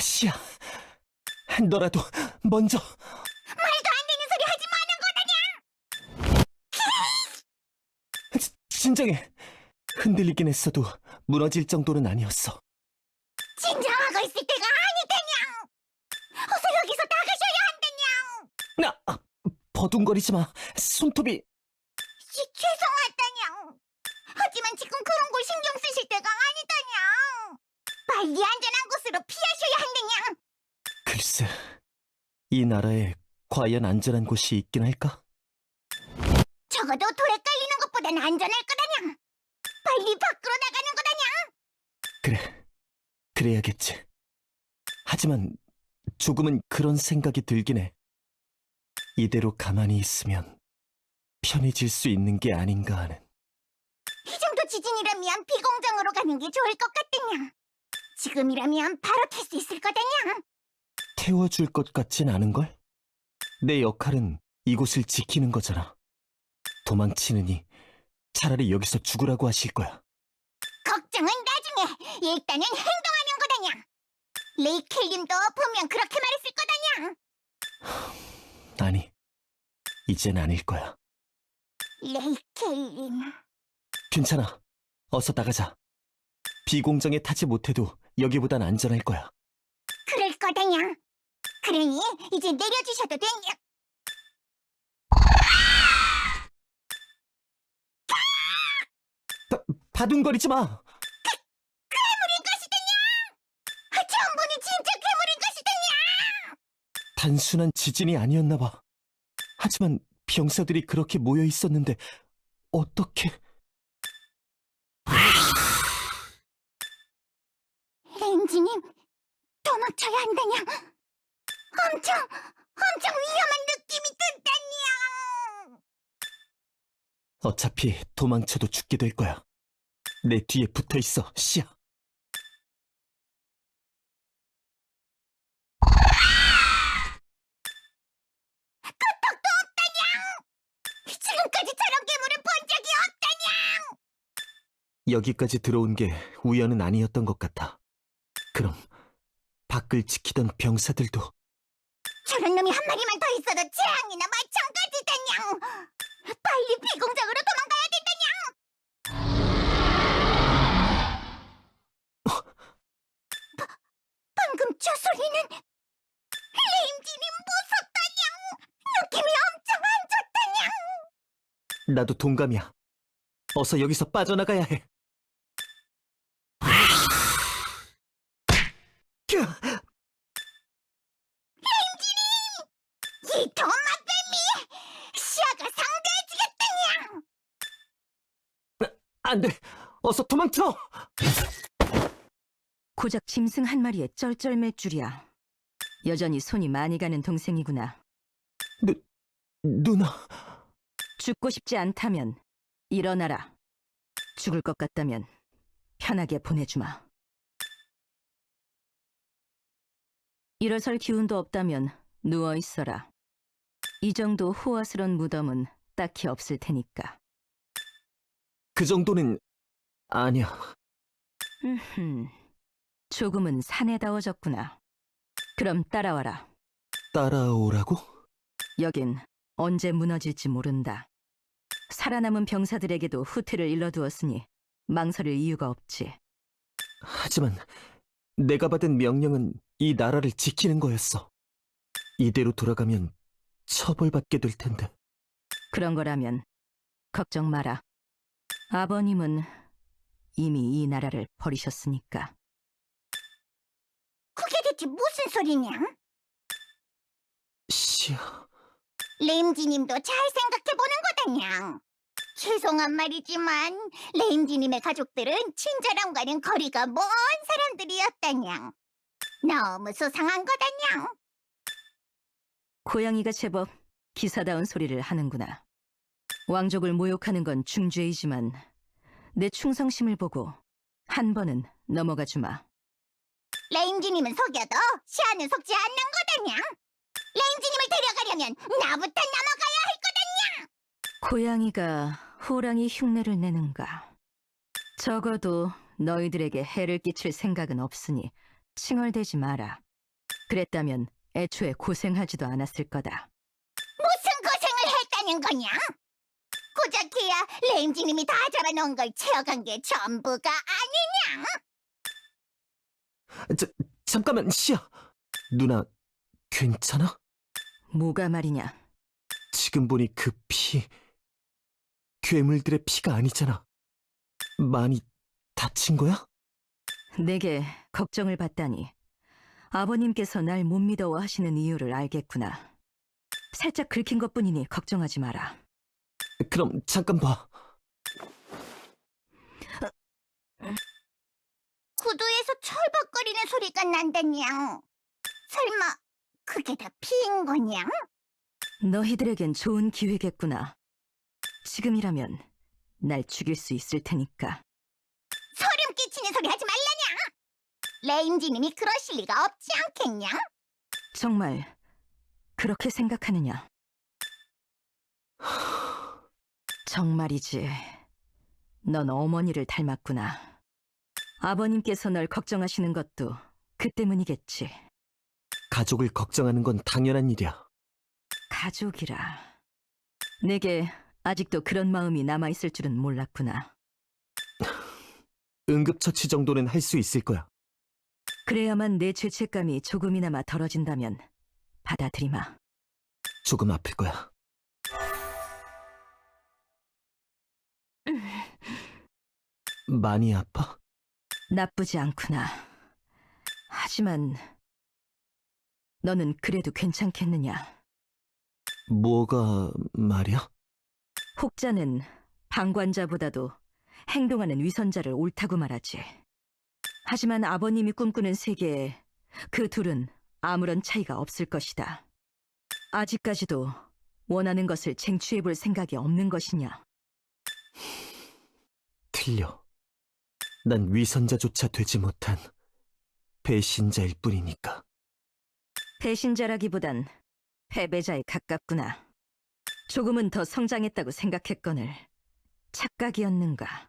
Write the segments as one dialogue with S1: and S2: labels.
S1: 시야, 너라도 먼저.
S2: 말도 안 되는 소리 하지 마는
S1: 진정해. 흔들리긴 했어도 무너질 정도는 아니었어.
S2: 거다냐. 진정하고 있을 때가 아니다냐. 어서 여기서 나가셔야 한다냐.
S1: 버둥거리지 마. 손톱이.
S2: 죄송하다냐. 하지만 지금 그런 걸 신경 쓰실 때가 아니다냐. 빨리 안전한 곳으로 피하셔야 한다냐.
S1: 글쎄, 이 나라에 과연 안전한 곳이 있긴 할까?
S2: 적어도 돌에 깔리는 것보단 안전할 거다냐. 빨리 밖으로 나가는 거다냐.
S1: 그래, 그래야겠지. 하지만 조금은 그런 생각이 들긴 해. 이대로 가만히 있으면 편해질 수 있는 게 아닌가 하는.
S2: 이 정도 지진이라면 비공정으로 가는 게 좋을 것 같다냐. 지금이라면 바로 탈 수 있을 거다냐.
S1: 태워줄 것 같진 않은걸? 내 역할은 이곳을 지키는 거잖아. 도망치느니 차라리 여기서 죽으라고 하실 거야.
S2: 걱정은 나중에. 일단은 행동하는 거다냐. 레이켈님도 분명 그렇게 말했을 거다냐.
S1: 아니, 이젠 아닐 거야.
S2: 레이켈님.
S1: 괜찮아. 어서 나가자. 비공정에 타지 못해도 여기보단 안전할 거야.
S2: 그럴 거다냐. 그러니 이제 내려주셔도 되냐.
S1: 바둥거리지 마.
S2: 괴물인 것이다냐. 전부는 진짜 괴물인 것이다냐.
S1: 단순한 지진이 아니었나 봐. 하지만 병사들이 그렇게 모여 있었는데 어떻게...
S2: 렌지님, 도망쳐야 한다냐. 엄청 위험한 느낌이 든다냐.
S1: 어차피 도망쳐도 죽게 될 거야. 내 뒤에 붙어 있어, 시야.
S2: 끄떡도 없다냐. 지금까지 저런 괴물을 본 적이 없다냐.
S1: 여기까지 들어온 게 우연은 아니었던 것 같아. 그럼 밖을 지키던 병사들도...
S2: 저런 놈이 한 마리만 더 있어도 재앙이나 마찬가지다냐. 빨리 비공장으로 도망가야 된다냐. 방금 저 소리는 레임진이 무섭다냐. 느낌이 엄청 안 좋다냐.
S1: 나도 동감이야. 어서 여기서 빠져나가야 해.
S2: 이 도마뱀이 시야가 상대해주겠다냐.
S1: 안 돼! 어서 도망쳐!
S3: 고작 짐승 한 마리에 쩔쩔맬 줄이야. 여전히 손이 많이 가는 동생이구나.
S1: 누나...
S3: 죽고 싶지 않다면 일어나라. 죽을 것 같다면 편하게 보내주마. 일어설 기운도 없다면 누워있어라. 이 정도 호화스런 무덤은 딱히 없을 테니까.
S1: 그 정도는... 아니야.
S3: 조금은 사내다워졌구나. 그럼 따라와라.
S1: 따라오라고?
S3: 여긴 언제 무너질지 모른다. 살아남은 병사들에게도 후퇴를 일러두었으니 망설일 이유가 없지.
S1: 하지만 내가 받은 명령은 이 나라를 지키는 거였어. 이대로 돌아가면 처벌받게 될 텐데.
S3: 그런 거라면 걱정 마라. 아버님은 이미 이 나라를 버리셨으니까.
S2: 그게 대체 무슨 소리냐?
S1: 시야...
S2: 레임지님도 잘 생각해보는 거다냐. 죄송한 말이지만 레임지님의 가족들은 친절함과는 거리가 먼 사람들이었다냐. 너무 수상한 거다냐.
S3: 고양이가 제법 기사다운 소리를 하는구나. 왕족을 모욕하는 건 중죄이지만 내 충성심을 보고 한 번은 넘어가 주마.
S2: 레임지님은 속여도 시아는 속지 않는 거다냐. 레임지님을 데려가려면 나부터 넘어가야 할 거다냐.
S3: 고양이가 호랑이 흉내를 내는가. 적어도 너희들에게 해를 끼칠 생각은 없으니 칭얼대지 마라. 그랬다면 애초에 고생하지도 않았을 거다.
S2: 무슨 고생을 했다는 거냐? 고작해야 레임지님이 다 잡아놓은 걸 채워간 게 전부가 아니냐?
S1: 잠깐만, 시야! 누나, 괜찮아?
S3: 뭐가 말이냐?
S1: 지금 보니 그 피, 괴물들의 피가 아니잖아. 많이 다친 거야?
S3: 내게 걱정을 받다니 아버님께서 날 못 믿어하시는 이유를 알겠구나. 살짝 긁힌 것뿐이니 걱정하지 마라.
S1: 그럼 잠깐 봐.
S2: 구두에서 철벅거리는 소리가 난다냥. 설마 그게 다 피인 거냐?
S3: 너희들에겐 좋은 기회겠구나. 지금이라면 날 죽일 수 있을 테니까.
S2: 소름 끼치는 소리 하지 말라냥. 레임지님이 그러실 리가 없지 않겠냐?
S3: 정말 그렇게 생각하느냐? 정말이지. 넌 어머니를 닮았구나. 아버님께서 널 걱정하시는 것도 그 때문이겠지.
S1: 가족을 걱정하는 건 당연한 일이야.
S3: 가족이라. 내게 아직도 그런 마음이 남아있을 줄은 몰랐구나.
S1: 응급처치 정도는 할 수 있을 거야.
S3: 그래야만 내 죄책감이 조금이나마 덜어진다면 받아들이마.
S1: 조금 아플 거야. 많이 아파?
S3: 나쁘지 않구나. 하지만 너는 그래도 괜찮겠느냐?
S1: 뭐가 말이야?
S3: 혹자는 방관자보다도 행동하는 위선자를 옳다고 말하지. 하지만 아버님이 꿈꾸는 세계에 그 둘은 아무런 차이가 없을 것이다. 아직까지도 원하는 것을 쟁취해볼 생각이 없는 것이냐?
S1: 틀려. 난 위선자조차 되지 못한 배신자일 뿐이니까.
S3: 배신자라기보단 패배자에 가깝구나. 조금은 더 성장했다고 생각했거늘 착각이었는가?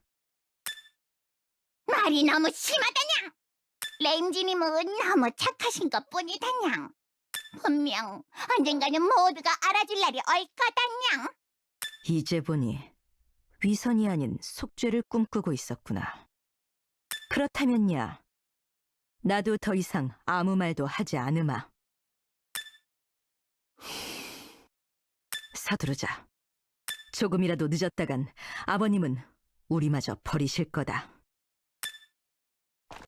S2: 말이 너무 심하다냥. 레임지님은 너무 착하신 것뿐이다냥. 분명 언젠가는 모두가 알아줄 날이 올 거다냥.
S3: 이제 보니 위선이 아닌 속죄를 꿈꾸고 있었구나. 그렇다면야 나도 더 이상 아무 말도 하지 않으마. 서두르자. 조금이라도 늦었다간 아버님은 우리마저 버리실 거다.